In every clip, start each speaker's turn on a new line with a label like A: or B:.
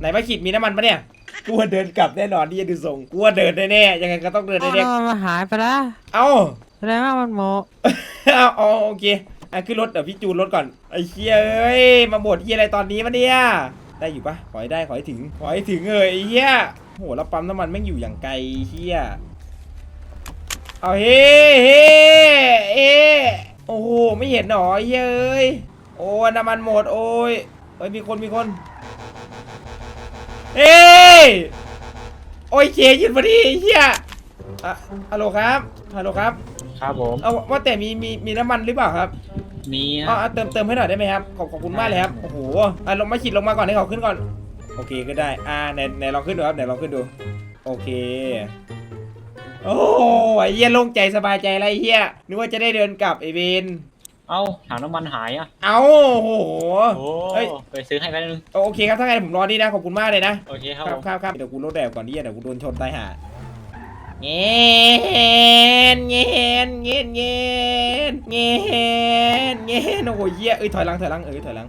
A: มาขีดมีน้ำมันปะเนี่ยกูว่าเดินกลับแน่นอนที่จะดูส่งกูว่าเดินแน่ๆยังไงก็ต้องเดินแน่
B: มันหายไปแล้ว
A: ๆเอ้า
B: แสดงว่ามันโม
A: เอาโอเคขึ้นรถเดี๋ยวพี่จูนรถก่อนไอ้เชี่ยเอ้ยมาบดเฮียอะไรตอนนี้วะเนี่ยได้อยู่ปะขอให้ได้ขอให้ถึงไอ้เฮียโหแล้วปั๊มน้ำมันแม่งอยู่อย่างไกลเฮียเอาเฮ้โอ้โหไม่เห็นหรอเฮ้ยโอ้น้ำมันหมดโอ้ยมีคนเอ้ยโอ้ยเคยืนพอดีเฮียฮัลโหลครับ
C: ครับผม
A: เอาว่าแต่มีน้ำมันหรือเปล่าครับ
C: มี
A: เติมให้หน่อยได้ไหมครับขอบคุณมากเลยครับโอ้โหลงมาขีดลงมาก่อนให้เขาขึ้นก่อนโอเคก็ได้ไหนลองขึ้นดูครับไหนลองขึ้นดูโอเคโอ้ยเฮียโล่งใจสบายใจอะไรเฮียนึกว่าจะได้เดินกลับไอเวน
C: เอ้าถังน้ำมันหายอ่ะ
A: เอาโอ้โห
C: โอ้
A: เฮ้ย
C: ไปซื้อให้แป๊บนึง
A: โอเคครับถ้าไงผมรอนี่นะขอบคุณมากเลยนะ
C: โอเคครับ
A: ครับเดี๋ยวกูรถแดดก่อนดิเดี๋ยวกูโดนชนตายห่าเงี้ยโอ้ยเฮียถอยหลังถอย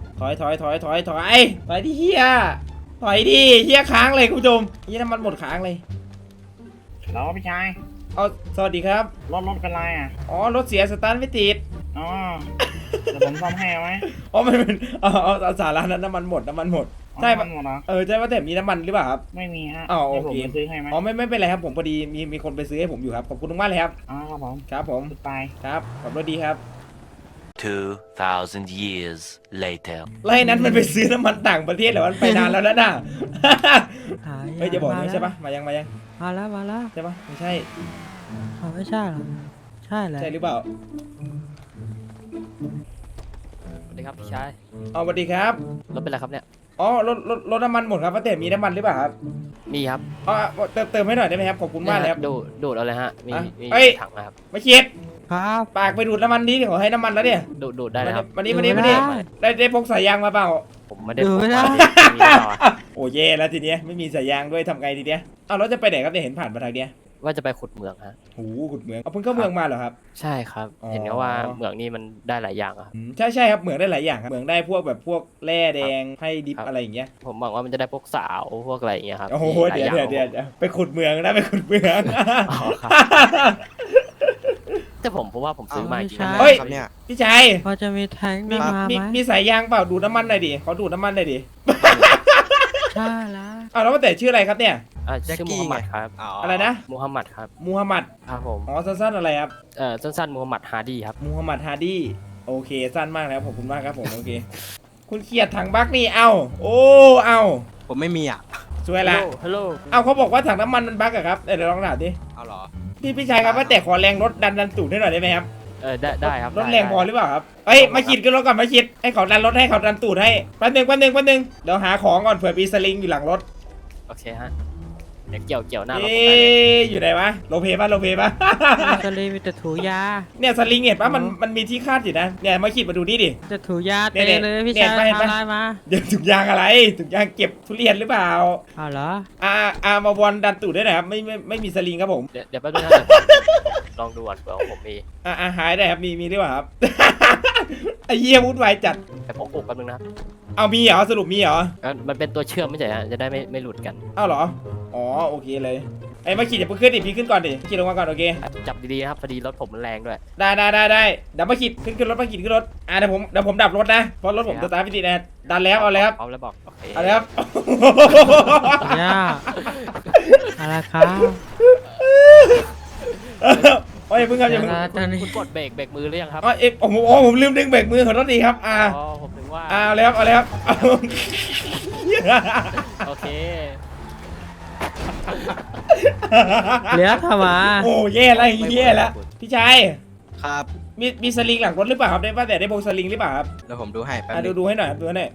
A: ดิเฮียถอยดิเฮียค้างเลยคุณผู้ชมเฮียน้ำมันหมดค้างเลย
D: แล้วพี่ชาย
A: เอาสวัสดีครับ
D: รถเป็นไรอ่ะ
A: อ๋อรถเสียสตาร์ทไม่ติด
D: อ๋อเดี๋ยวผมซ่อมให้ไหม
A: อ๋อมันเป็นเอาสาระนั้นน้ำมันหมดใช่
D: ปะหมดเหรอ
A: ใช่ว่าแต่มีน้ำมันหรือเปล่าครับ
D: ไม่มีฮะ
A: อ๋อโอ
D: ดี๋ยวผม
A: เค
D: ไปซื้อให้ไหม
A: อ๋อไม่เป็นไรครับผมพอดีมีคนไปซื้อให้ผมอยู่ครับขอบคุณมากเลยครับ
D: อ๋อครับผม
A: ครับผม
D: ไป
A: ครับขับรถดีครับ
E: 2,000 years later
A: แล้วไอ้นั้นมันไปซื้อน้ำมันต่างประเทศเหรอมันไปนานแล้วนะน่ะ
B: หาย
A: เฮ้ยจะบอกนะใช่ปะมายัง
B: มาแล้ว
A: ใช่ปะไม่ใช่
B: ไม่ใช่หรอใช่แหละ
A: ใช่หรือเปล่า
F: สวัสดีครับพี่ชาย
A: อ๋อสวัสดีครับ
F: รถเป็นไรครับเนี่ย
A: อ๋อรถน้ำมันหมดครับป้าเต๋มีน้ำมันหรือเปล่าครับ
F: มีครับ
A: อ๋อเติมให้หน่อยได้ไหมครับขอบคุณมากเลยครับ
F: ดูดเอาเลยฮะมี
A: อ่ะ
F: มี
A: เอ้ย
F: ถังนะครับ
A: ไม่คิด
B: ครับ
A: ปากไปดูดน้ำมันนี้ขอให้น้ำมันแล้วเนี่ย
F: ดูดได้เลยครับ
A: วันนี้
B: ดูไม่ได้
A: ได้พกสายยางมาเปล่า
F: ผมไม่ได้
B: ดูไม่ได้
F: มีต่อ
A: โอ้เย่แล้วทีเนี้ยไม่มีสายยางด้วยทำไงทีเนี้ยเอาแล้วจะไปไหนครับเนี่ยเห็นผ่านมาทางเนี้ย
F: ว่าจะไปขุดเหมืองฮะ
A: หูขุดเหมืองเอาเพิ่งเข้าเมืองมาเหรอครับ
F: ใช่ครับ
A: อ๋อ
F: เห็นเขาว่าเหมืองนี่มันได้หลายอย่างอะครับ
A: ใช่ครับเหมืองได้หลายอย่างครับเหมืองได้พวกแบบพวกแร่แดงให้ดิบ
F: ครับ
A: อะไรอย่างเงี้ย
F: ผมหวังว่ามันจะได้พวกสาวพวกอะไรอย่างเงี้ยครับ
A: โอ้โห
F: มีหลา
A: เดี๋ยว
F: อย่าง
A: ไปขุดเมืองนะไปขุดเมือง
F: อ๋อครับแต่ผมเพราะว่าผมซื้อมาจริง
B: ใช่
F: ๆ
A: เฮ้ย
G: ครับเนี่ย
A: พี่ชัย
B: พอจะมีแทงค์ได้มาไหม
A: มีสายยางเปล่าดูดน้ำมันหน่อยดิขอดูดน้ำมันหน่อยดิ
B: ใช่แล้ว
A: เอาแล้วว่าแต่ชื่ออะไรครับเนี่ย
F: ชื่อมูฮัมหมัดครับ
A: อะไรนะ
F: มูฮัมหมัดครับ
A: มูฮัมหมัด
F: ครับผม
A: อ๋อสั้นๆอะไรครับ
F: สั้นๆมูฮัมหมัดฮาร์ดี้ครับ
A: มูฮัมหมัดฮาร์ดี้โอเคสั้นมากแล้วขอบคุณมากครับผมโอเค คุณเขียดถังบักนี่เอาโอ้เอา
G: ผมไม่มีอ่ะ
A: สวยละ
F: ฮัลโหล
A: เอาเขาบอกว่าถังน้ำมันมันบักอะครับเดี๋ยวลองถามดิ
G: เอาเหรอ
A: พี่ชายครับว่าแต่ขอแรงรถดันตูดให้หน่อยได้ไหมครับ
F: ได้ครับ
A: รถแรงพอหรือเปล่าครับเฮ้ยมาขีดขึ้นรถก่อนมาขีดให้เขาดันรถให้เขาดันตูดให้แป๊บนึงเดี๋ยวหาของก่อนเผื่อมีสลิงอยู่หลังรถ
F: โอเคฮะเดี๋ยวเกี่ยวหน้ารถ
A: เอ๊
F: ผมได้เลย
A: อยู่ไหนวะโลเพปะ
B: มีสลีมีแต่ถูยา
A: เนี่ยสลิงเห็นปะมันมีที่คาดอยู่นะเนี่ยมาขีดมาดูนี่ดิ
B: จะถูยา
A: เนี่
B: เตะ
A: ย
B: เลยพี่
A: เนี่ย
B: ชาย
A: เห็นปะ
B: ทำลายมา
A: เดี๋ยวถุงยางอะไรถุงยางเก็บทุเรียนหรือเปล่า
B: เอาเหรอ
A: มาบอลดันตูดได้หน่อยครับไม่มีสลิงครับผม
F: เดี๋ยวแป๊บนึงนะเดี๋ยวผมลองดูก่อนเผื่อของผมมี
A: หายได้ครับมีหรือเปล่าครับ ไอ้เหี้ยวุ่นวายจัด
F: ไปพกอกแป๊บนึงนะครับ
A: เอามีเหรอสรุปมีเหรอ
F: มันเป็นตัวเชื่อมไม่ใช่ฮะจะได้ไม่หลุดกัน
A: เอาเหรออ๋อโอเคเลยไอ้มาขีดอย่าเพิ่งขึ้นดิพี่ขึ้นก่อนดิขีดลงมาก่อนโอเค
F: จับดีๆนะครับพอดีรถผมมันแรงด้วย
A: ได้เดี๋ยวมาขีดขึ้นรถมาขีดขึ้นรถเดี๋ยวผมดับรถนะเพราะรถผม
F: โอเคครับ
A: สตาร์ทไม่ติดนะดันแล้วเอาเลยครับ
F: เอาแล้วบอกโอเค
A: เอาเลยครับ
B: ยาอะไรครับ
A: โอ้ยเพิ่งครับอย่าเพิ่ง
B: ตอนนี้
F: คุณกดเบรกมือหรือยังครับ
A: ผมลืมดึงเบรกมือขอโทษทีครับ
F: อ๋อผมถึงว่า
A: เอาเลยครับเอาเลยครับ
F: โอเค
B: เหลือทำไมา
A: โอ้แย่แล้วพี่ชาย
G: ครับ
A: มีสลิงหลังรถหรือเปล่าครับได้ป่ะแต่ได้โบสลิงหรือเปล่าครับ
G: เดี๋ยวผมดูให้แป๊บนึง
A: ดูให้หน่อยครับดูให้หน่อย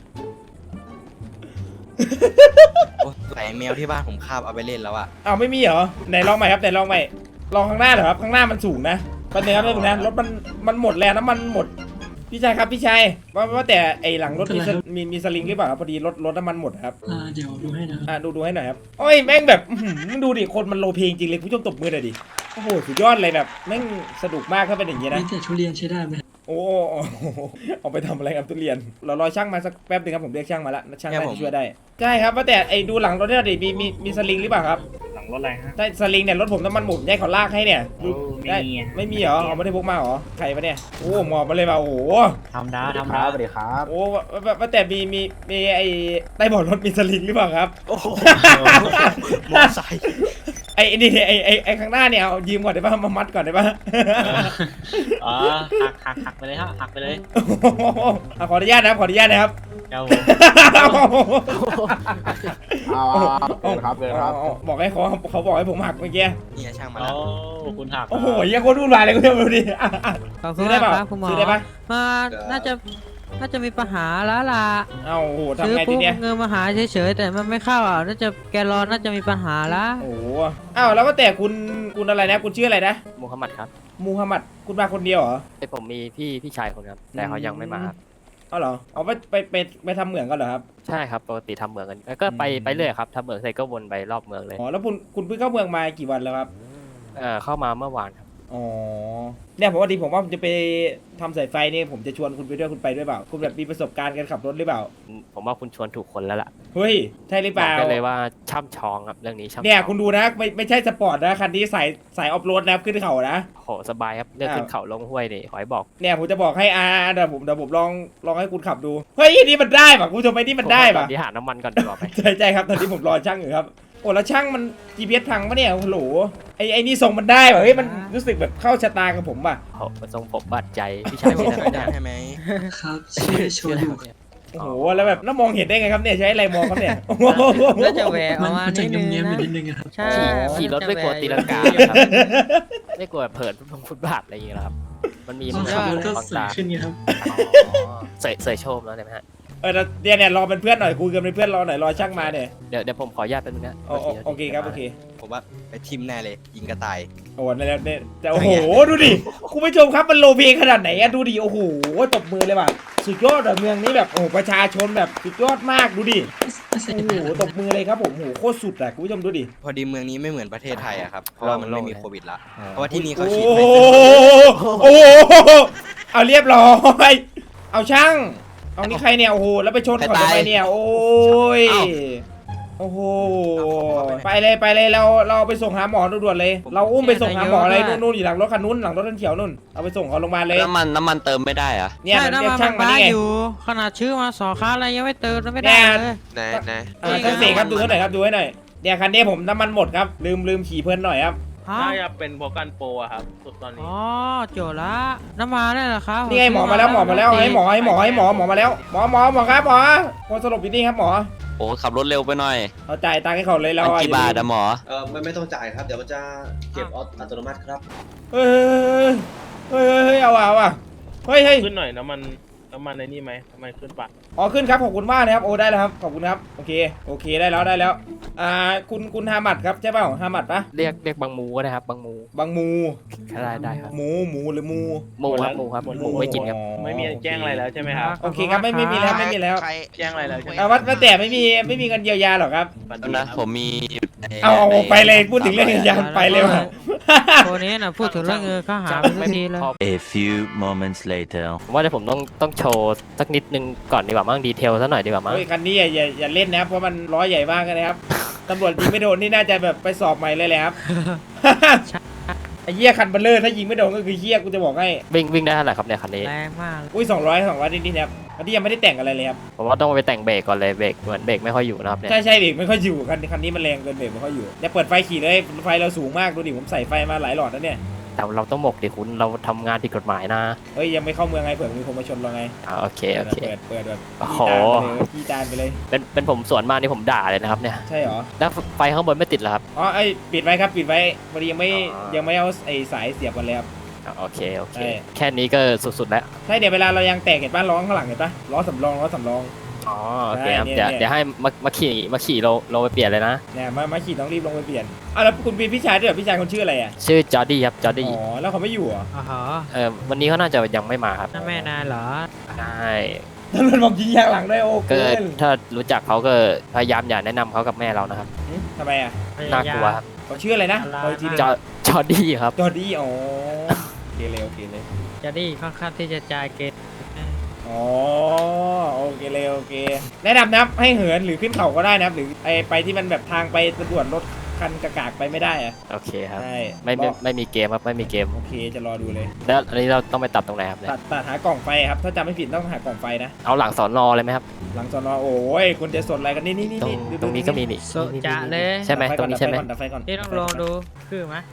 G: โอ้ใส่แมวที่บ้านผมคาบเอาไปเล่นแล้วอ่ะ
A: เอาไม่มีเหรอไหนลองใหม่ครับไหนลองใหม่ลองข้างหน้าเหรอครับข้างหน้ามันสูงนะปัญหาครับนะรถมันหมดแล้วน้ำมันหมดพี่ชายครับพี่ชายว่าแต่ไอหลังรถมีสลิงหรือเปล่าครับพอดีรถน้ำมันหมดครับ
H: เดี๋ยวดูให้นะครับ
A: ดูให้หน่อยครับโอ้ยแม่งแบบดูดิคนมันโลเพลงจริงเลยผู้ชมตบมือหน่อยดิโอ้โหสุดยอดเลยแบบแม่งสนุกมากถ้าเป็นอย่างนี้นะ
H: นี่แต่ทุเรียนใช้ได้ไหม
A: โอ้เอาไปทำอะไรครับทุเรียนเรารอช่างมาสักแป๊บหนึงครับผมเรียกช่างมาละช่างน่าจะช่วยได้ใช่ครับว่าแต่ไอ้ดูหลังรถเนี่ยดิมีสลิงหรือเปล่าครับ
D: หลังรถอะไรฮะ
A: ใช่สลิงเนี่ยรถผมน้ำมันหมดได้เขาลากให้เนี่ย
D: โอ้
A: ได้
D: มีอะ
A: ไม่มีเหรอเอาไม่ได้พกมาเหรอใครปะเนี่ยโอ้หมอบมาเลยมาโอ้โห
C: ทำนะทำนะสวัสดีครับ
A: โอ้ว่าแต่มีไอ้ใต้เบาะรถมีสลิงหรือเปล่าครับ
G: โอ้โหมอไซค์
A: ไอ้นี่ไอ้ข้างหน้าเนี่ยเอายืมก่อนได้ป่ะมามัดก่อนได้ป่ะ
C: อ๋อหักไปเลยฮะหักไปเลย
A: ขออนุญาตนะครับขออนุญาตนะครับ
C: ครับผม
A: ครับบอกให้เขาบอกให้ผมหักเมื่อกี้
G: นี่ช่างมา
C: โอ้
G: แล้ว
C: คุณหัก
A: โอ้โหยังคนวุ่นวายเลยคุณเดี๋ยวดูดิ
B: ขอบคุณ
A: ซื้อได้
B: มาก
A: เปล่า
B: ครับคุณหมอ
A: ซื้อได้ปะ
B: มาน่าจะมีปัญหาแล้วล่ะ
A: เอ้าโอ้โห
B: ซื้
A: ทำ
B: อ
A: ไงที
B: ปุ๊บ
A: เนี้ย
B: เงินมาหาเฉยๆแต่มันไม่เข้าอ่ะน่าจะแกรอน่าจะมีปัญหาละ
A: โอ้โหอ้าวแล้วก็แต่คุณอะไรนะคุณชื่ออะไรนะ
F: มูฮัมหมัดครับ
A: มูฮัมหมัดคุณมาคนเดียวเหรอ
F: ไอยผมมีพี่ชายคนครับ แต่เขายังไม่มาครับ
A: เอาเหรอเอาไปทำเหมืองกันเหรอครับ
F: ใช่ครับปกติทำเหมืองกัน แล้วก็ไปเรื่อยครับทำเหมืองเสร็จก็วนไปรอบเมืองเลย
A: อ๋อแล้วคุณเพิ่งเข้าเมืองมากี่วันแล้วครับ
F: เข้ามาเมื่อวานครับ
A: อ๋อเนี่ยผมว่าผมจะไปทำสายไฟนี่ผมจะชวนคุณไปด้วยคุณไปด้วยเปล่าคุณแบบมีประสบการณ์การขับรถหรือเปล่า
F: ผมว่าคุณชวนถูกคนแล้วล่ะ
A: เฮ้ยใช่หรือเป
F: บอก
A: ล่า
F: ได้เลยว่าช่ำชองครับเรื่องนี้ช่ำชอง
A: เนี่ยคุณดูนะไม่ใช่สปอร์ตนะคันนี้สายออฟโรดนะขึ้นเขานะ
F: โหสบายครับเรื่องขึ้นเขาลงห้วยนี่ขอให้บอก
A: เนี่ยผมจะบอกให้เดี๋ยวผมลองให้คุณขับดูเฮ้ยนี่มันได้ป่ะคุณผู้ชมไอ้นี่มันได้
F: ตอ
A: ป่ะ
F: นนี้หาน้ำมันก่อนดีกว่าไหม
A: ใช่ครับตอนนี้ผมรอช่างอยู่ครับโอ้แล้วช่างมัน GPS พังปะเนี่ยโอ้โหไอ้นี่ส่งมันได้ป่ะเฮ้ยมันรู้สึกแบบเข้าชะตากับผมป่ะ
F: โหทรงผมบาดใจพี่ชายพี่
G: ช่
F: นะ
G: วยได้ไหม
H: ครับชื่อโชยุ
A: โอ้โหแล้วแบบน้ามองเห็นได้ไงครับเนี่ยใช้อะไรมองครับเนี่ยโอ้โห
B: น่าจะแหวกอ
H: มั
B: อน กมา
H: มันจะ
B: นิดนึง
H: เงียบๆอยู่
B: นะ
H: นิดนึงอะครับ
B: ใช่
F: ขี่รถไม่กลัวตีลังกา
B: มันจะ
F: ครับไม่กลัวเผินฟุตบาทอะไรอย่างเงี้ยหรอครับมันมี
H: พอ
F: มัน
H: ขับรถก็
F: บาง
H: สวย
F: ตา
H: ขึ้นไงครับ
F: เสยโชมแล้วใช่ไหมฮะ
A: แล้วเนี่ยรอเป็นเพื่อนหน่อยคุยกันเป็นเพื่อนรอหน่อยรอช่างมาเนี่ย
F: เดี๋ยวผมขออนุญาตเป็นงนะ
A: โอเคครับโอเค
G: ผมว่าไปทิมแน่เลย ยิงกระต่าย
A: โอ้เนี่ยเนี่ยแต่โอ้โหดูดิคุณผู้ชมครับมันโลเพขนาดไหนอะดูดิโอ้โหตบมือเลยว่ะสุดยอดอะเมืองนี้แบบโอ้โหประชาชนแบบสุดยอดมากดูดิโอ้โหตบมือเลยครับผมโอ้โหโคตรสุดอะคุณผู้ชมดูดิ
G: พอดีเมืองนี้ไม่เหมือนประเทศไทยอะครับ เพราะว่ามันไม่มีโควิดละ เพราะว่าที่นี่เขา
A: โอ้
G: ฉีด
A: โห
G: ไฟเซอร์
A: โอ้โหเอาเรียบร้อยเอาช่างเอานี่ใครเนี่ยโอ้โหแล้วไปชนเขาทำไมเนี่ยโอ้ยโอ้โหไปเลยเราไปส่งหาหมอด่วนๆเลย เราอุ้มไปส่งหาหมอเลยนู่นอยู่หลังรถคันนู้นหลังรถคันเขียวนู่นเอาไปส่งเขาโรงพยาบาลเลย
E: น้ำมันเติมไม่ได้เหรอะ
A: เนี่ย
B: ใช่
A: มัน
B: น้ำ
A: เรีย
B: มั
A: ก
B: น
A: ช่างมา
B: บ้า
A: นี่ไง
B: อยู่ขนาดชื่อมาสอค้าอะไรยังไม่เติมไม่ได้เลย
E: ไหน
A: ช่างเสกครับดูให้หน่อยครับดูให้หน่อยเนี่ยคันนี้ผมน้ำมันหมดครับลืมขี่เพลินหน่อยครับ
B: ฮะ
I: น่าจะเป็นโปรกันโปรอะครับสุดตอนนี้
B: อ๋อโจทย์ละน้ำมันนี่แหละครับ
A: นี่ไงหมอมาแล้วหมอมาแล้วให้หมอมาแล้วหมอครับหมอคนสลบอยู่นี่ครับหมอ
E: โอ้ขับรถเร็วไปหน่อย
A: เอาจ่ายตังค์ให้เขาเลยเรา
E: มันกี่บาทอะหมอ
I: ไม่ต้องจ่ายครับ เดี๋ยวมันจะเก็บอัตโนมัติครับ
A: เฮ้ยเอาว่ะเฮ้ย
I: ขึ้นหน่อยน้ำมันในนี่ไหมทำไมขึ้นปะ
A: อ๋อขึ้นครับขอบคุณมากนะครับโอ้ได้แล้วครับขอบคุณครับโอเคได้แล้วคุณฮามัดครับใช่เปล่าฮามัดปะ
F: เรียกบางมูก็ได้ครับบางมู
A: บางมู
F: ได้ครับ
A: หมูหรือมู
F: หมูครับหมูไม่กินครับ
I: ไม่มีแจ้งอะไรแล้วใช่ไหมครับ
A: โอเคครับไม่มีแล้วไม่มีแล้ว
I: แจ้งอะไรแล้วใช่ไหม
A: ว่าแต่ไม่มีเงินเยียวยาหรอครับ
I: ฝัน
E: แล้ว
I: ดี
E: นะ
I: ครับ
E: ผมมีอยู่ใน
A: เอาไปเลยพูดถึงเรื่องเงินเยียวยาไปเลยว่ะ
B: ตัวนี้นะพูดถึงเรื่องเงินเขาหาไปทุกทีเลย
E: A few moments later
F: ผมว่าเดี๋ยวผมต้องโชว์สักนิดนึงก่อนดีกว่ามั้งดีเทลซะหน่อยดีกว่ามั้ง
A: เฮ้ยคันนี้อย่าเล่นนะครับเพราะมันล้อใหญ่มากนะครับตำรวจยิงไม่โดนนี่น่าจะแบบไปสอบใหม่เลยแหละครับ ไอ้เหี้ยคันเบลเลอร์ถ้ายิงไม่โดนก็คือเหี้ยกูจะบอกให้
F: วิ่งได้เท่าไหร่ครับเนี่ยคันนี้
B: แรงมาก
A: อุ้ย200นิดๆนะครับอันนี้ยังไม่ได้แต่งอะไรเลยครับ
F: ผมว่าต้องไปแต่งเบรกก่อนเลยเบรกเหมือนเบรกไม่ค่อยอยู่นะครับเนี่ย
A: ใช่เบรกไม่ค่อยอยู่คันนี้มันแรงเกินเบรกไม่ค่อยอยู่เนี่ยเปิดไฟขี่เลยไฟเราสูงมากดูดิผมใส่ไฟมาหลายหลอดแล้วเนี่ย
F: แต่เราต้องหมกดิคุณเราทำงานผิดกฎหมายนะ
A: เฮ้ยยังไม่เข้าเมืองไงเผื่อมีคนมาชนเราไง
F: โอเค
A: เปิดแบบ
F: โอ้โห
A: ขี้จานไปเลย
F: เป็นผมสวนมานี่ผมด่าเลยนะครับเนี่ย
A: ใช่เหรอ
F: แล้วไฟข้างบนไม่ติดเหรอครับ
A: อ๋อไอ้ปิดไว้ครับปิดไว้พอดียังไม่
F: อ๋อ
A: ยังไม่เอาไอ้สายเสียบกันเลยครับ
F: โอเค
A: ใช่
F: แค่นี้ก็สุดๆแล้ว
A: ใช่เดี๋ยวเวลาเรายังแตกเห็นป่ะล้อข้างหลังเห็นป่ะล้อสำรอง
F: อ๋อโอเคครับ
A: ได้
F: เดี๋ยว
A: เนี่ย
F: เดี๋ยวให้มาขี่เราไปเปลี่ยนเลยนะ
A: เนี่ยมาขี่ต้องรีบลงไปเปลี่ยนแล้วคุณเป็นพี่ชายด้วยเหรอพี่ชายคนชื่ออะไรอ่ะ
F: ชื่อจอร์ดี้ครับจอร์ดี้
A: อ๋อแล้วเขาไม่อยู่เหรอ
B: อ๋อ
F: วันนี้เขาน่าจะยังไม่มาครับ
B: นั่นแม่นายเหรอ
F: ใช่
A: ตำรวจบอกยิงยางหลังด้วยโอ้
F: ก็
A: เกิน
F: ถ้ารู้จักเขาก็พยายามอย่าแนะนำเขากับแม่เรานะครับ
A: ทำไมอ่ะ
F: น่ากลัวครับ
A: เขาชื่ออะไรนะ
B: อะไร
A: ขออีกทีหนึง
F: จอร์ดี้ครับ
A: จอร์ดี้อ๋อโอเคเลย
B: จะได้ค่อนข้างที่จะจ่ายเกต
A: อ๋อโอเคเลยโอเคแนะนำนะครับให้เหินหรือขึ้นเขาก็ได้นะครับหรือไปที่มันแบบทางไปตำรวจรถคันกากๆไปไม่ได้อะ
F: โอเคครับ
A: ใช่
F: ไม่มีเกมครับไม่มีเกม
A: โอเคจะรอดูเลย
F: แล้วอันนี้เราต้องไปตัดตรงไหนครับเนี่ย
A: ตัดหากล่องไฟครับถ้าจำไม่ผิดต้องหากล่องไฟนะ
F: เอาหลังสอนอเลยไหมครับ
A: หลังสอนอโอ้ยคุณจะสดอะไรกันนี่
F: ตรง
A: ดู
F: ตรงนี้ก็มีนี่
B: โซจะเลย
F: ใช่ไหมตรงนี้ใช่ไหม
A: ดับไฟก่อน
B: ที่ต้องลองดูคือไหม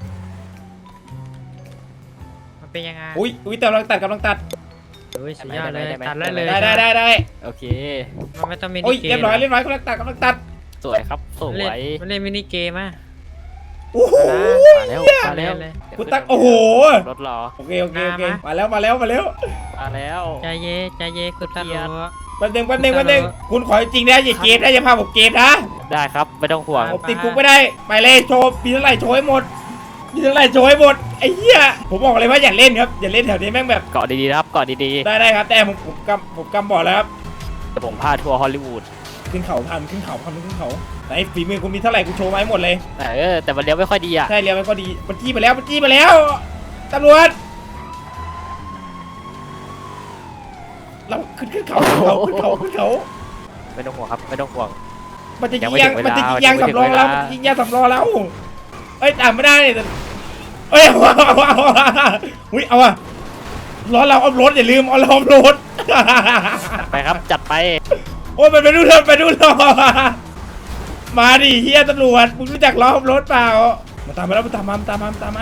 B: มันเป็นยังไง
A: อุ้ยแต่กำลังตัด
B: โอ้ยสุดยอดเลยตัดได้เลย
A: ได้
F: โอเค
B: มันไม่ต้องมิ
A: โอ้ย
B: นิเกม
A: เรียบร้อยกำลังตัด
F: สวยครับสว
B: เล่น
F: ย
B: มันเล่นมินิเกมอ่ะ
A: โอ้โห
F: มาแล้วมาแล้ว
B: เลย
A: คุณตักโอ้โห
F: รถรอ
A: โอเคมาแล้ว
F: มาแล้ว
B: ใจเย่คุณตำรวจ
A: แป๊บนึงคุณขอจริงนะอย่าเกมนะอย่าพาผมเกมนะ
F: ได้ครับไม่ต้องห่วง
A: ผมติดคุกไม่ได้ไปเลยโชว์มีเท่าไหร่โชว์ให้หมดไอ้เหี้ยผมบอกเลยว่าอย่าเล่นครับอย่าเล่นแถวนี้แม่งแบบ
F: เกาะดีๆนะครับเกาะดี
A: ได้ครับแต่ผมกำบอกแล้วครับ
F: ๆแต่ผมพาทัวร์ฮอลลีวูด
A: ขึ้นเขาไหนฝีมือคุณมีเท่าไหร่คุณโชว์มาให้หมดเลย
F: แต่มันเลี้ยวไม่ค่อยดีอ่ะ
A: ใช่เรียกมันก็ดีมันจี้มาแล้วตำรวจเราขึ้นเขา
F: ไม่ต้องห่วงครับไม่ต้องห่วง
A: มันจะ
F: ยั
A: ยิ
F: ง
A: ง
F: ไม่ถึงเวลา
A: ยางสำรองเรา
F: ยังไม่ถึงเวลา
A: มันจะยิงยางสำรองเราเอ้ยตามไม่ได้แต่เอ้ยเอาอุ้ยเอาอะล้อเราเอารถอย่าลืมเอาเราเอารถ
F: ไปครับจัดไป
A: โอ้ยมันไปดูเถอะมาดิเฮียตำรวจมึงรู้จักล้อรถเปล่ามาตามมาแล้วมาตามมา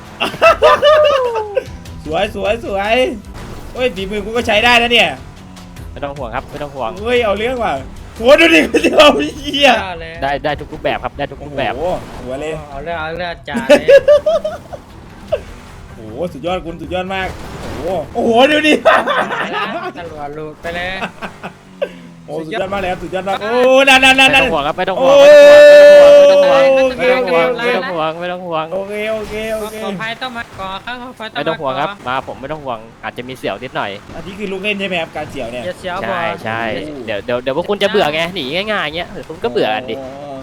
A: สวยโอ้ยฝีมือกูก็ใช้ได้นะเนี่ย
F: ไม่ต้องห่วงครับไม่ต้องห่วง
A: เฮ้ยเอาเรื่องว่ะโหดูดิกูจะเอาเฮีย
B: เลย
F: ได้ทุกรูปแบบครับได้ทุกรูปแบบ
A: โอ้โหหัวเลย
B: เอาเลือดจ่าเลย
A: โอ้โหสุดยอดคุณสุดยอดมากโอ้โหดูดิ
B: ตำรวจหลุดไปเลย
A: โอ้สุดยอดมากเลยครับสุดยอดมากโอ้นั่น
F: ไม่ต้องห่วงครับไม่ต้องห่ว
A: โอ้
F: งไม่ต้องห่วงไม่ต้องห่วงไม่ต้องห่วง
A: โอเค
B: ขอภัยต้องมาก่อข้างขอภัยต้อง
F: ไม่ต้องห่วงครับมาผมไม่ต้องห่วงอาจจะมีเสี่ยวนิดหน่อย
A: อันนี้คือลูกเล่นใช่ไหมครับการเสี่ยวเนี่ย
B: อย่าเสียวบอ
F: ใช่เดี๋ยวพวกคุณจะเบื่อไงหนีง่ายๆเงี้ยเดี๋ยวคุณก็เบื่อกันดิ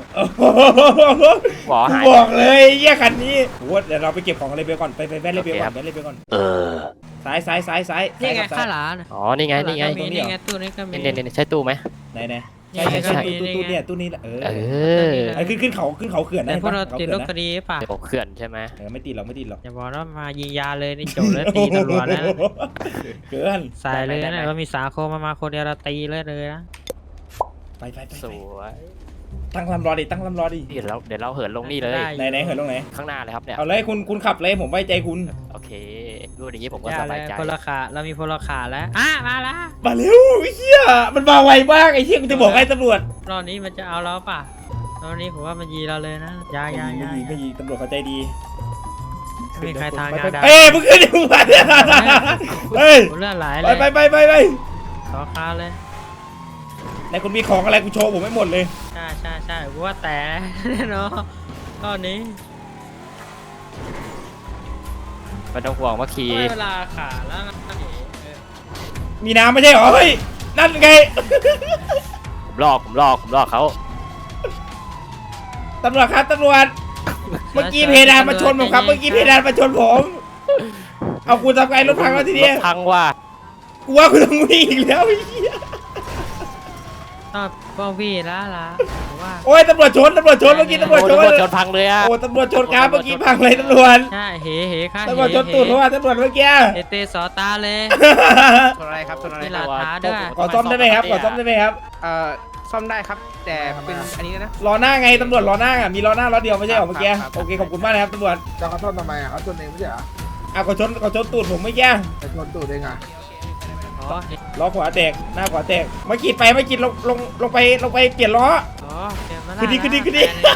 F: หวอหาย
A: บอกเลยเยี่ยคันนี้โอ้เดี๋ยวเราไปเก็บของอะไรไปก่อนไปแว่นเลยไปก่อนแว่นเลยไปก่อนซ้าย
B: นี่ไงข้าหลาน
F: อ๋อนี่ไง
A: ตรงนี้
B: นี่ไงตู้นี้ก็มี
F: เนี่ยใช่ตู้ไหม
A: ไหน
B: ใช่
A: ใช่ตู้เนี่ยตู้นี้แหละไอ้ขึ้นเขาเขื่อน
B: แต่
A: นะ
B: พวกเราติดรถคดีป่ะ
F: เดี๋ยวผมเขื่อนใช่ไหม
A: ไม่ติดหรอก
B: อย่าบอกว่ามายิงยาเลยนี่จบเลยตีตำรวจนะ
A: เกิน
B: ใส่เลยนะก็มีสาโคมาคนเดียวเราตีเลยนะ
A: ไป
F: สวย
A: ตั้งลำรอดิ
F: เดี๋ยวเราเหินลงนี่เลย
A: ไหนเหินลงไหน
F: ข้างหน้าเลยครับเนี่ย
A: เอาเลยคุณขับเลยผมไว้ใจคุณ
F: โอเครู้อย่างนี้ผมก็
B: ยา
F: ส
B: เล
F: บาย
B: ย
F: ใจ
B: พลขาเรามีพลขาแล้วมาแล้ว
A: มาเร็วไอ้เหี้ยมันมาไวมากไอ้เหี้ยกูจะบอกให้ตำรวจ
B: รอบนี้มันจะเอาเราป่ะรอบนี้ผมว่ามันยีเราเลยนะยา
A: ไม่ยิงตำรวจเขาใจดี
B: ไม่มีใครทางยาได้
A: เอ้ยมึงขึ้นดิมึงมาเนี่ยเฮ้ย
B: เลือดไหลเลย
A: ไป
B: ขอคาเลย
A: ไหนคุณมีของอะไรกูโชว์ผมไม่หมดเลย
B: ใช่กูว่าแต่เนาะรอบนี้
F: ไม่ต้องห่วงว่าขี่
B: เวลาขาแล้ว
A: มีน้ำไม่ใช่เหรอเฮ้ยนั่นไง
F: ผมลอกเขา
A: ตำรวจครับตำรวจเมื่อกี้เพดานมาชนผมครับเมื่อกี้เพดานมาชนผมเอาคุณทำไงรถพังแล้วที
F: ร
A: นี้
F: ถพังว่ะ
A: กูว่าคุณต้องวิ่งอีกแล้วไอ้เหี้ย
B: ก็วี่ละว่า
A: โอ้ยตำรวจชนเมื่อกี้ตำรวจชน
F: ชนพังเลยอ่ะ
A: โอ้ตำรวจชนครับเมื่อกี้พังเลยตำรวจ
B: ใช่เฮค่ะ
A: ตำรวจชนตูดเพราะว่าตำรวจเมื่อกี้
B: เตสอตาเลย
C: ชนอะไรครับชนอะไร
B: มีหลักฐานด้วย
A: ขอซ่อมได้ไหมครับ
C: ซ่อมได้ครับ แต่เป็นอันนี้นะ
A: ล้อหน้าไงตำรวจล้อหน้าอ่ะมีล้อหน้าล้อเดียวไม่ใช่เหรอเมื่อกี้
C: ครับ
A: โอเคขอบคุณมากนะครับตำรวจ
J: จะเขาชนทำไมอ่ะเขาชนเองไม่ใช่เหรอ
A: อ่ะขอชนตูดผมเมื่อกี้
J: ไปชนตูดเองอ่ะ
B: อ๋อ
A: ล้อขวาแตกหน้าขวาแตกเมื่อกี้ลงไปเปลี่ยนล้อ
B: เก็บมา
A: ขึ้นดิ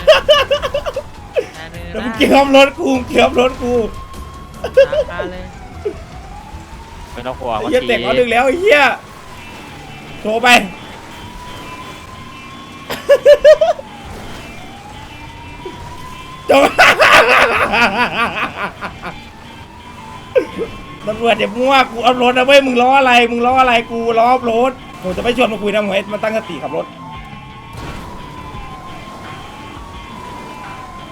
A: แล้วมึง
B: เก็
A: เกี่ยวรถกู
B: ตาเลย
F: ไม่ต้องห่วงว่า
A: เหี้ย
F: ขี่
A: แตกล้อหนึ่งแล้วไอ้เหี้ยโทรไปจบ ตำรวจอย่ามั่วกูเอารถนะเว้ยมึงล้ออะไรกูล้อรถผมจะไม่ชวนมาคุยนะหมวยมาตั้งสติขับรถ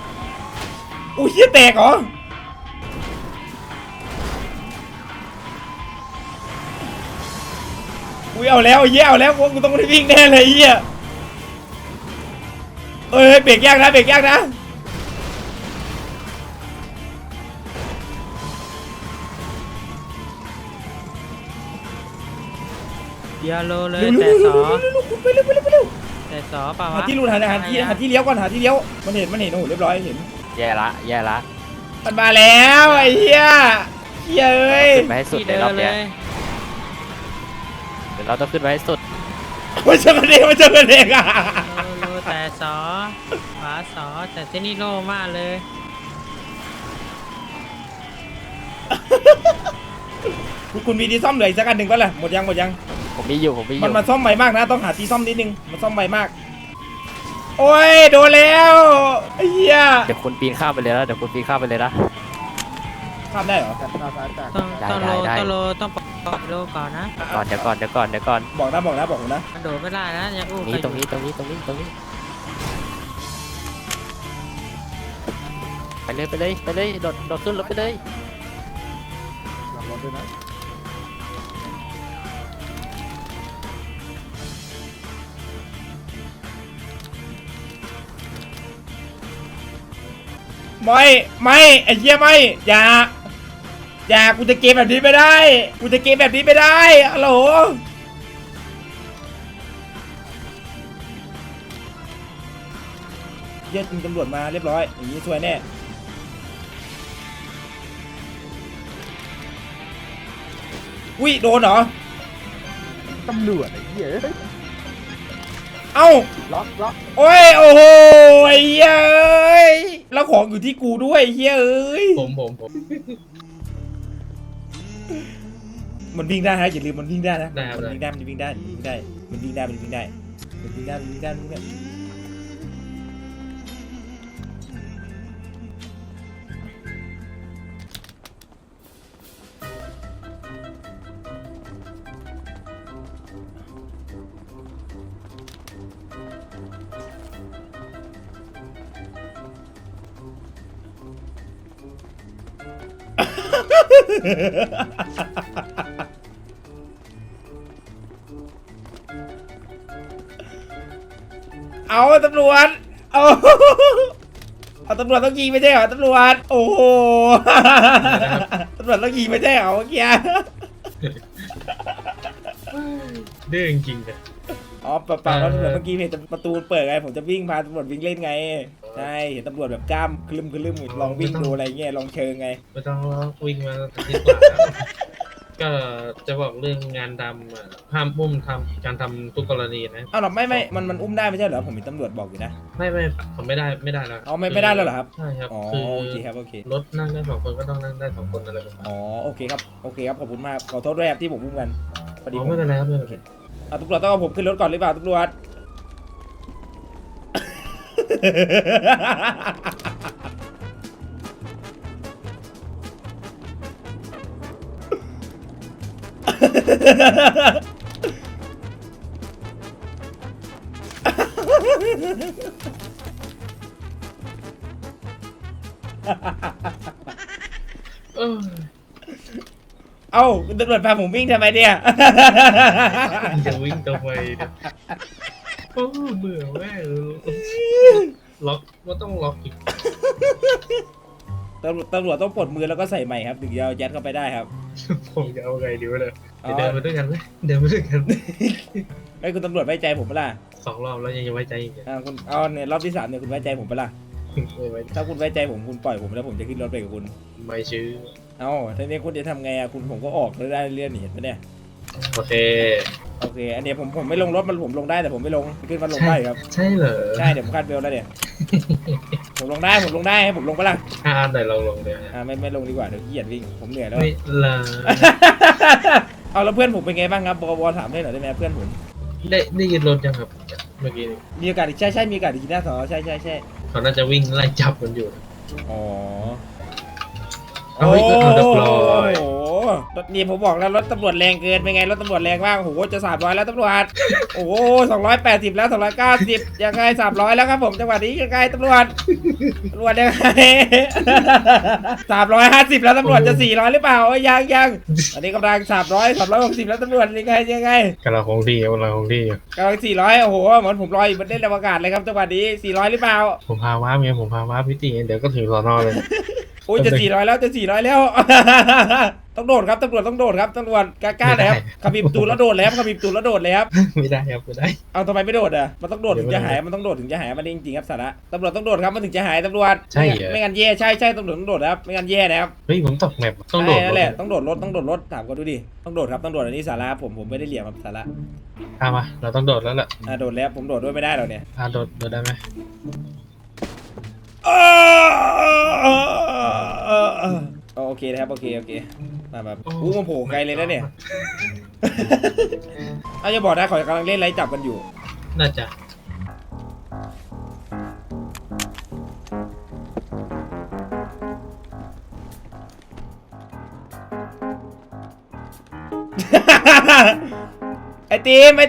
A: อุ้ยเหี้ยแตกเหรออุ้ยเอาแล้วไอ้เหี้ยเอาแล้วกูต้องได้วิ่งแน่เลยไอ้เหี้ยเอ้ยเบรกยากนะเบรกยากนะ
B: อย่าโลเลย
A: เร็ว
B: แต่สอ
A: ไปเร็วไปเร็วไปเร็ว
B: แต่สอเปล่า
A: หาว
B: ะ
A: ที่รูนหาที่เลี้ยวก่อนหาที่เลี้ยวมันเห็นโอ้โหเรียบร้อยเห็น
F: แย่ละแย่ละ
A: มันมาแล้วไอ้เหี้ยเหี้ยเอ้ย
F: ขึ้นไปให้สุด
B: ที่
F: ใน
B: เดิ
F: รอน บ
B: เล
F: เนี้ย
B: ย
F: เดี๋ยวเราต้องขึ้นไปให้สุด
A: มันเจอกันเองมันเจอกันเองอ่ะ
B: โลแต่สอขวาสอแต่เจนี่โลมากเลย
A: คุณมีที่ซ่อมเหลืออีกสักอันหนึ่งก็ล่ะหมดยัง
F: ผมมีอยู่
A: มันซ่อมใหม่มากนะต้องหาที่ซ่อมนิดนึงมันซ่อมใหม่มากโอ้ยโดนแล้วไอ้เหี้ย
F: เดี๋ยวคุณปีนข้ามไปเลยนะเดี๋ยวคุณปีนข้ามไปเลยนะ
A: ข้ามได้เหรอ
J: จัดหน้าซ้ายจัด
B: ต้องโลต้องปล่อยโลก่อนนะ
F: เดี๋ยวก่อน
A: บอกนะ
B: มันโดดไม่ได้นะยังอู้
F: นี่ตรงนี้ ไปเลยโดดขึ้นรถไปเลย
J: หลังรถด้วยนะ
A: ไม่ไอ้เหี้ยไม่อย่ากูจะเกมแบบนี้ไม่ได้ฮัลโหลเหี้ยจริงตำรวจมาเรียบร้อยอย่างนี้สวยแน่อุ้ยโดนเหรอ
J: ตำรวจไอ้เหี้ย
A: เอ้า
J: ล็อก
A: โอ้ยโอ้โหไอ้เหี้ยเอ้ยแล้วของอยู่ที่กูด้วยไอ้เหี้ยเอ้ย
C: ผม
A: มันวิ่งได้นะอย่าลืมมันวิ่งได้นะ
C: ได้ครับ
A: มันวิ่งได้ เอาตำรวจเอาตำรวจต้องยิงไม่ใช่เหรอตำรวจโอ้โหตำรวจต้องยิงไม่ใช่เหรอเมื่อกี้
C: ดื้อจริงๆเลย
A: อ๋อเปล่าแล้วตำรวจเมื่อกี้เห็นประตูเปิดไงผมจะวิ่งพาตำรวจวิ่งเล่นไงใช่เห็นตำรวจแบบกล้ามคลึมลองวิ่งดูอะไรเงี้ยลองเชิงไง
C: ไม่ต้องวิ่งมาดีกว่าก็จะบอกเรื่องงานดำอะห้ามอุ้มทำการทำทุกกรณีนะ
A: อ้าวหรอไม่มันอุ้มได้ไม่ใช่เหรอผมเห็นตำรวจบอกอยู่นะ
C: ไม่ผมไม่ได้แล้ว
A: เอาไม่ได้แล้วเหรอครับ
C: ใช่ครับ
A: อ๋อ
C: คือ
A: โอเคครับโอเค
C: รถนั่งได้2 คนก็ต้องนั่งได้2 คนอะไรประมาณ
A: อ๋อโอเคครับขอบคุณมากขอโทษด้วยครับที่ผมอุ้มกันพอดี
C: อ๋อไม่เป็นไรครับไม่เป็นไร
A: เอาตำรวจต้องเอาผมขึ้นรถก่อนหรือเปล่าตำรวจ
C: เออ
A: เอ้าคุณตำรวจพาผมวิ่งทำไมเนี่ย
C: จะวิ่งทำไมเนี่ยโอ้เบื่อแม่ล็อกว่าต้องล็อกอีก
A: ตำรวจต้องปลดมือแล้วก็ใส่ใหม่ครับถึงจะเอายัดเข้าไปได้ครับ
C: ผมจะเอาไงดีวะเนี่ยเดินมาด้วยกันไหมเดินมาด้วยกัน
A: ไอ้ยคุณตำรวจไว้ใจผมปะล่ะ
C: 2 รอบแล้วยังจะไว้ใจอีกเหรอ
A: คุณเอาเนี่ยรอบที่3เนี่ยคุณไว้ใจผมปะล่ะ
C: ไม่ไว้
A: ถ้าคุณไว้ใจผมคุณปล่อยผมแล้วผมจะขึ้นรถไปกับคุณ
C: ไม่ชื่อ
A: เอ้าทีนี้คุณจะทำไงอะคุณผมก็ออกได้เรื่อยๆนี่เห็นปะเนี่ย
C: โอเค
A: โอเคอันเนี้ยผมไม่ลงรถมันผมลงได้แต่ผมไม่ลงขึ้นมาลงได้ครับ
C: ใช่เหรอ
A: ใช่เดี๋ยวผมคาดเบลแล้วเนี่ย ผมลงได้ให้ผมลงปะล่ะ
C: ไหนลองเนี่ย
A: ไม่ลงดีกว่าเดี๋ยวเกียดวิ่งผมเหนื่อยแล้ว
C: ไม่ละ
A: เอาแล้วเพื่อนผมเป็นไงบ้างครับบวถามได้หน่อยได้ไหมเพื่อนผม
C: ได้ยินรถยังครับเมื่อกี้นี้
A: มีโอกาสอีกใช่มีโอกาสอีกหน้าสอใช่
C: เขาน่าจะวิ่งไล่จับมันอยู่
A: อ๋อ
C: เอาไว้ก็เอาเรียบร้อย
A: โอ้โหรถนี่ผมบอกแล้วรถตำรวจแรงเกินเป็นไงรถตำรวจแรงมากโอ้โหจะ300แล้วตำรวจโอ้โห280แล้ว290ยังไง300แล้วครับผมจังหวะนี้ยังไงตำรวจยังไง350แล้วตำรวจจะ400หรือเปล่ายังอันนี้กำลัง360แล้วตำรวจยังไง
C: กำลังคงที่กำลังคงที่อยู่
A: กำลัง400โอ้โหเหมือนผมลอยอยู่บนเล่นอวกาศเลยครับจังหวะนี้400หรือเปล่า
C: ผมพาว้าเมียผมพาว้าพิธีเดี๋ยวก็ถึงสอนอเลย
A: โอ้ยจะ400แล้ว ต้องโดดครับตำรวจต้องโดดครับตำรวจกล้าๆหน่อยครับขับบีบตูดแล้วโดดเลยครับขับบีบตูดแล้วโดดเลยครับ
C: ไม่ได้ครับไม่ได้
A: เอาทำไมไม่โดดอ่ะมันต้องโดดถึงจะหายมันต้องโดดถึงจะหายมันจริงๆครับสาระตำรวจต้องโดดครับมันถึงจะหายตำรวจ
C: ใช่เหรอ
A: ไม่งั้นแย่ใช่ตำรวจต้องโดดครับไม่งั้นแย่นะครับ
C: เฮ้ยผมตกแมปต้องโดด
A: ใช่นั่นแหละต้องโดดรถถามก็ดูดิต้องโดดครับต้องโดดอันนี้สาระผมไม่ได้เหลี่ยมครับสาระ
C: เอามาเราต้องโดดแล้วแหละ
A: โดดแล้วผมโดดด้วยไม่ได้หรอกเนี่ย
C: โดดได้ไหม
A: โอเคนะครับโอเคมาแบบมันโผล่ไกลเลยนะเนี่ย เอาอย่าบอกนะเขากำลังเล่นไล่จับกันอยู่
C: น่าจะ
A: ไอตีม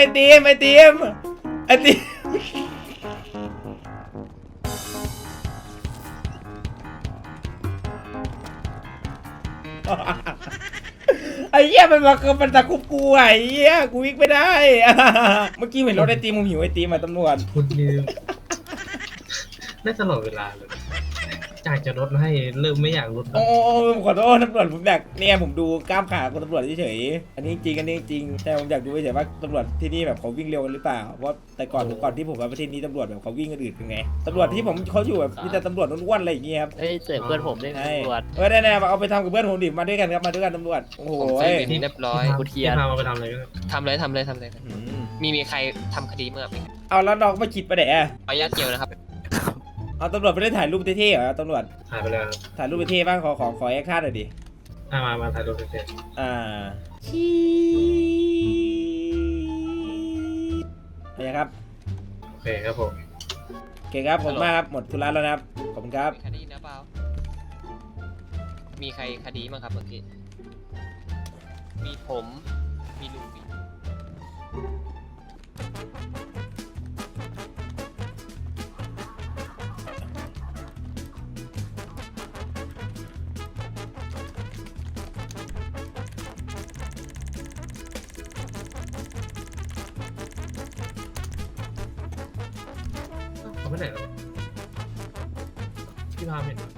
A: ไอ้เหี้ยมันตะคุบกูไอ้เหี้ยกูวิ่งไม่ได้ เมื่อกี้เห็นรถไอตีมผมหิวไอตีมมาตำรวจ
C: พูดนี่ได้ตลอดเวลาเลยจากจะลดให้เริ่มไม่อยากลดแล้ว
A: โอ้ผมขอโทษตำรวจผมอยากเนี่ยผมดูกล้ามขาของตำรวจเฉยๆอันนี้จริงแต่ผมอยากดูเฉยๆว่าตำรวจที่นี่แบบเขาวิ่งเร็วกันหรือเปล่าเพราะแต่ก่อนที่ผมมาประเทศนี้ตำรวจแบบเขาวิ่งกันอืดเป็นไงตำรวจที่เขาอยู่แบบมีแต่ตำรวจอ้วนๆอะไรอย่างเงี้ยครับ
F: เอ้ยเจอเพื่อนผมด้วย
A: ใช่
F: ตำรวจ
A: ได้เอาไปทำกับเพื่อนผมดิมาด้วยกันครับมาด้วยกันตำรวจโอ้โห
E: ผมเซ็นบินเรียบร้อย
F: กูเทีย
C: ที่
F: น
C: พามาไปทำอะไรกัน
E: ทำเลยกัน
A: อืม
E: มีใครทำคดีเมื่อไหร่
A: เอาแล้วน้องไม่คิดไปไหนอะ
E: ขออนุญาตเกี่ยวนะครับ
A: เอาตำรวจไปได้ถ่ายรูปเท่ๆเหรอตำรวจ
C: ถ่ายไปแล้วครับ
A: ถ่ายรูปเท่ๆบ้างขอแอคชั่นหน่อยดิ
C: มาถ่ายรูปเสร็จ
A: อะไรครับ
C: โอเคครับผม
A: โอเคครับผมมากครับหมดธุระแล้วนะครับขอบคุณครับ
E: มีคดีนะเปล่ามีใครคดีบ้างครับเมื่อกี้มีผมมีลูฟี่
C: เขาไม่ไหนหรอพี่พาเห็น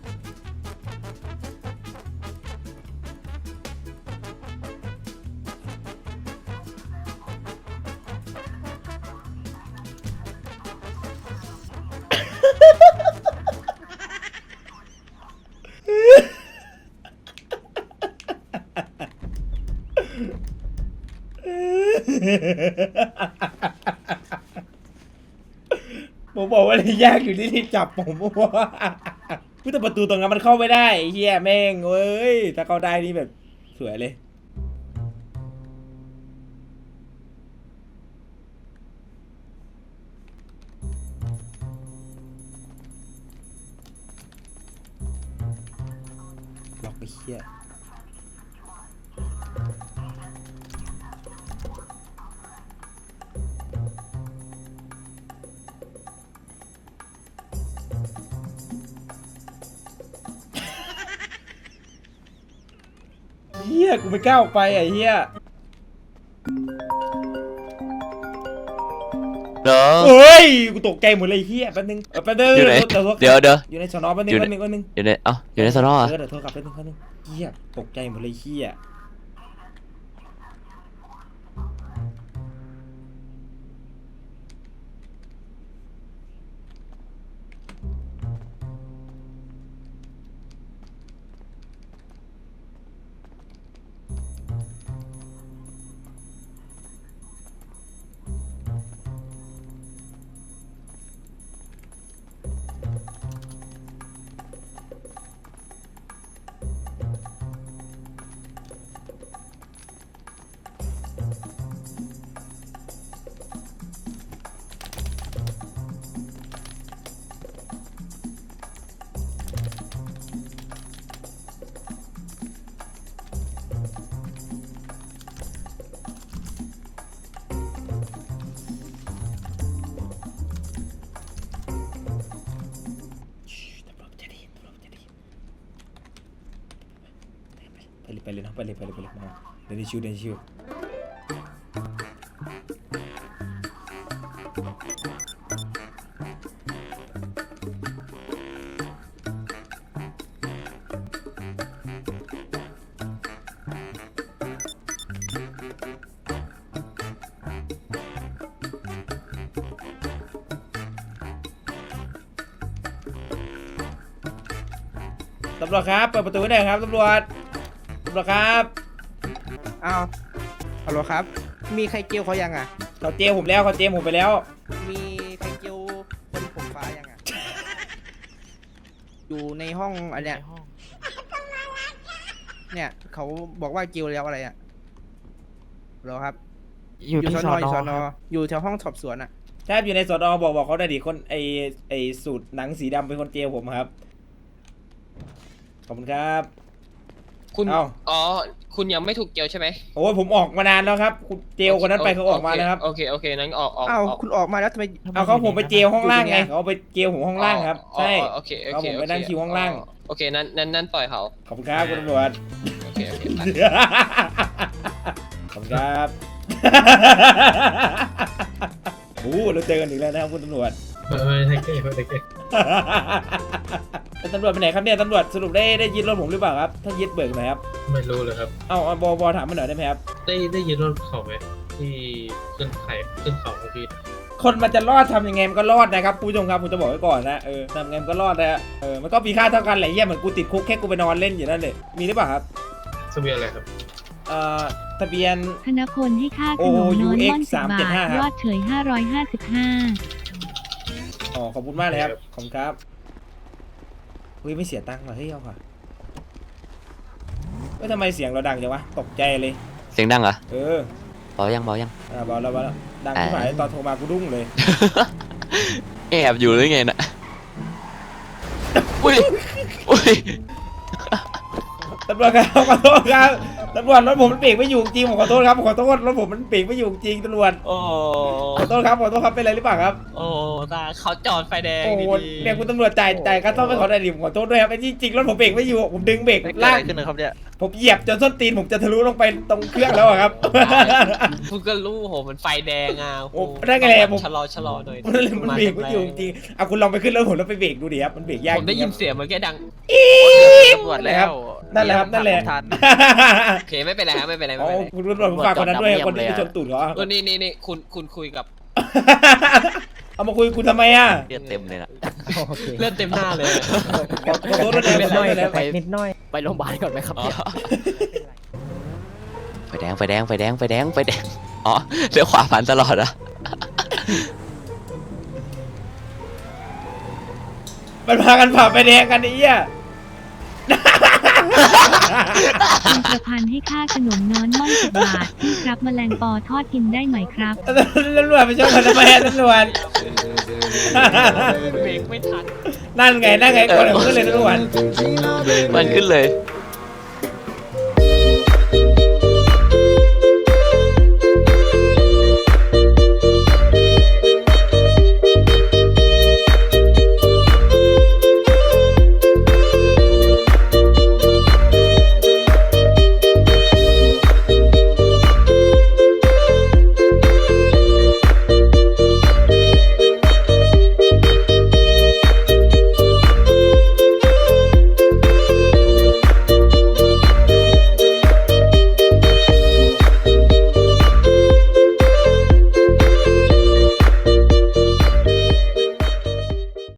A: ผมบอกว่าที่ยากอยู่ที่จับผมว่าแต่ประตูตรงนั้นมันเข้าไม่ได้ไอ้เฮียแม่งเว้ยถ้าเข้าได้นี่แบบสวยเลยล็อกไปเฮียเฮียกูไม่กล้าออกไปไอ้เฮีย
E: เหรอ
A: เฮ้ยกูตกใจหมดเลยเฮียแป๊บนึงแป๊บนึง
E: อยู่ไหน
A: เดี๋ยว
E: เดี๋ยว
A: อยู่ในสนอแป๊บนึง
E: อยู่
A: แป๊
E: ใน
A: บนึงแป๊บนึง
E: อยู่ในอยู่ในสนอเหรอ
A: เดี๋ยวโทรกลับแป๊บนึงเฮียตกใจหมดเลยเฮียไปเลยเนาะไปเลยมาเดินชิวตำรวจครับเปิดประตูให้หน่อยครับตำรวจครับ
K: อ้าวฮัลโหลครับ มีใครเจียวเขายังอ่ะ
A: เขาเจผมแล้วเขาเจผมไปแล้ว
K: มีใครเจียวคนผมฟ้ายังอ่ะ อยู่ในห้องอันเนี้ยเนี่ยเขาบอกว่าเจียวแล้วอะไรอ่ะเหรอครับ
F: อยู่ที่สอน
K: อยู่
F: อ
K: สอนออยู่แถวห้องสอบสวนอ่ะ
A: ใช่อยู่ในสอนอบอกเขาได้ดิคนไอสูตรหนังสีดำเป็นคนเจผมครับขอบคุณครับ
E: คุณ
A: เอ้า
E: อ๋อ คุณยังไม่ถูกเกี่ยวใช่ไหม
A: โอ้ยผมออกมานานแล้วครับคุณเจลคนนั้นไปเขาออกมาแล้วครับ
E: โอเคนั้นออก
K: อ้าวคุณออกมาแล้วทำไม
A: เอาเขาผมไปเจลห้องล่างไง
K: อยู่ตรงเนี้ย
A: เขาไปเจลผมห้องล่างครับใช่
E: โอเค
A: เอาผมไปนั่งคิวห้องล่าง
E: โอเคนั้นปล่อยเขา
A: ขอบคุณครับคุณตำรวจ
E: โอเคไป
A: ขอบคุณครับโอ้เราเจอกันอีกแล้วนะครับคุณตำรวจ
C: ไม่ไทเก้ไม่ไทเก้
A: เป็นตำรวจไปไหนครับเนี่ยตำรวจสรุปได้ยึดรถผมหรือเปล่าครับถ้ายึดเบิกหน่อยครับ
C: ไม่รู้เลยครับ
A: เอาบอถามมาหน่อยได้ไหมครับ
C: ได้ยินรถเขาไหมที่ขึ้นเขาเมื่อกี้
A: คนมันจะรอดทำยังไงมันก็รอดนะครับคุณผู้ชมครับผมจะบอกไว้ก่อนนะทำยังไงมันก็รอดนะมันก็มีค่าเท่ากันแหละเหี้ยเหมือนกูติดคุกแค่กูไปนอนเล่นอยู่นั่นเลยมีหรือเปล่าครับ
C: ทะเบียนอะไรครับ
A: ทะเบียน
L: ธนพลให้ค่าขนมน้อยม่อน10 บาท ยอดเฉย 555
A: อ๋อขอบคุณมากเลยครับขอบคุณครับเฮ้ยไม่เสียตังค์ว่ะเฮ้ยเอาค่ะเฮ้ยทำไมเสียงเราดังจังวะตกใจเลย
F: เสียงดังเหรอ
A: เออ
F: เบายัง
A: เบาแล้วดังที่หมายตอนโทรมากูดุ้งเลย
F: แอบอยู่หรือไงน่ะอุ้ย
A: ตำรวจครับขอโทษครับตำรวจรถผมมันเบรกไม่อยู่จริงผมขอโทษครับขอโทษรถผมมันเบรกไม่อยู่จริงตำรวจ
E: โอ้
A: ขอโทษครับเป็นไรหรือเปล่าครับ
E: โอ้ตาเขาจอดไฟแดง
A: โอ้โห
E: ดีๆ
A: เนี่ยคุณตำรวจจ่ายค่าซ่อมให้เขาได้ดิผมขอโทษด้วยครับไอ้จริงรถผมเบรกไม่อยู่ผมดึงเบรกลากขึ้นนะครับเนี่ยผมเหยียบจนส้นตีนผมจะทะลุลงไปตรงเครื่องแล้วอะครับ
E: คุณก็รู้โหมันไฟแดงอ่ะ
A: โอ้ได้ไงผม
E: ชะลอหน่อย
A: มันเบรกไม่อยู่จริงๆเอาคุณลองไปขึ้นรถผมแล้วไปเบรกดูดิครับมันเบรกยาก
E: ผมได้ยินเสียงมันแค่ดัง
A: ตำรวจแล้วนั่นแหละครับนั่นแหละ
E: โอเคไม่เป็นไรครับไม่เป็นไร
A: อ๋อคุณตำรวจผมฝากคนนั้นด้วยคนที่ไปชนตูดเขาอะ
E: นี่คุณคุยกับ
A: เอามาคุยคุณทำไมอ่ะ
F: เลือดเต็มเลยนะ
E: เลือดเต็มหน้าเลย
A: ขอโทษด้วยนะขอโทษด้วยนะ
K: นิดหน่อย
F: ไปโรงพยาบาลก่อนไหมครับเนี่ยไฟแดงอ๋อเลี้ยวขวาผ่านตลอดอะ
A: มันพากันผ่าไฟแดงกันไอ้เหี้ย
L: คุณประพันธ์ให้ค่าขนมน้อยม่อน10 บาทพี่ครับแมลงปอทอดกินได้ไหมครับ
A: ตำรวจไปชนกันทำไมอะตำรวจ
E: เบรกไม่ทัน
A: นั่นไงก่อนขึ้นเลยตำรวจ
F: มันขึ้นเลย